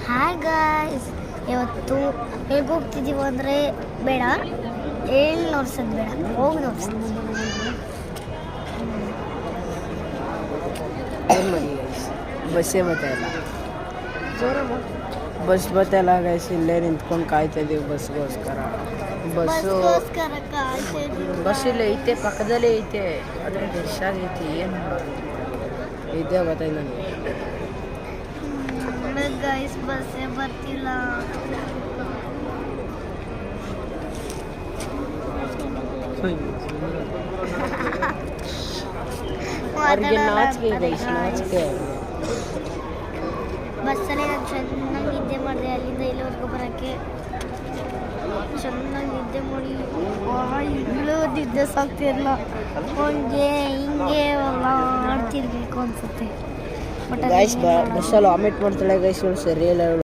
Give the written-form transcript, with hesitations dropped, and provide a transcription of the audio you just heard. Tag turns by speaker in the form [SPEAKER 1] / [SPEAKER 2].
[SPEAKER 1] Hi guys, ಇವತ್ತು ಹೇಗೆ ಹೋಗ್ತಿದ್ದೀವಿ ಅಂದರೆ ಬೇಡ ಹೇಳಿ ನೋಡ್ಸೋದು ಬೇಡ, ಹೋಗಿ ನೋಡ್ಸೋದು.
[SPEAKER 2] ಏನು ಮಾಡಿ ಗೈಸ್, ಬಸ್ಸೇ ಬತ್ತಾಯಿಲ್ಲ. ಬಸ್ ಬತ್ತಾಯಿಲ್ಲ ಗೈಸ್, ಇಲ್ಲೇ ನಿಂತ್ಕೊಂಡು ಕಾಯ್ತಾ ಇದ್ದೀವಿ ಬಸ್ಗೋಸ್ಕರ. ಬಸ್ ಇಲ್ಲೇ ಐತೆ, ಪಕ್ಕದಲ್ಲೇ ಐತೆ, ಆದರೆ ರಶ್ ಆಗೈತಿ. ಏನು ಇದೇ ಗೊತ್ತಾಯ್ತು ನನಗೆ
[SPEAKER 1] ಗೈಸ್, ಬಸ್ಸೇ ಬರ್ತಿಲ್ಲ.
[SPEAKER 2] ಅವ್ರಿಗೆ ನಾಚಿಕೆ ಗೈಸ್, ನಾಚಿಕೆ.
[SPEAKER 1] ಬಸ್ಸಲ್ಲಿ ನಾನು ಚೆನ್ನಾಗಿ ನಿದ್ದೆ ಮಾಡಿದೆ, ಅಲ್ಲಿಂದ ಇಲ್ಲಿವರೆಗೂ ಬರೋಕ್ಕೆ ಚೆನ್ನಾಗಿ ನಿದ್ದೆ ಮಾಡಿ ಇಲ್ಲೂ ನಿದ್ದೆ ಸಾಕ್ತಿರಲ್ಲ, ಹಂಗೆ ಹಿಂಗೆ ಎಲ್ಲ ಆಡ್ತಿರ್ಬೇಕು ಅನ್ಸುತ್ತೆ.
[SPEAKER 2] ಗೈಸ್ ಬಸ್ಸಲ್ಲಿ ವಾಮಿಟ್ ಮಾಡ್ತಾಳೆ ಗೈಸ್, ಇವಳು ಸರಿ ಇಲ್ಲ.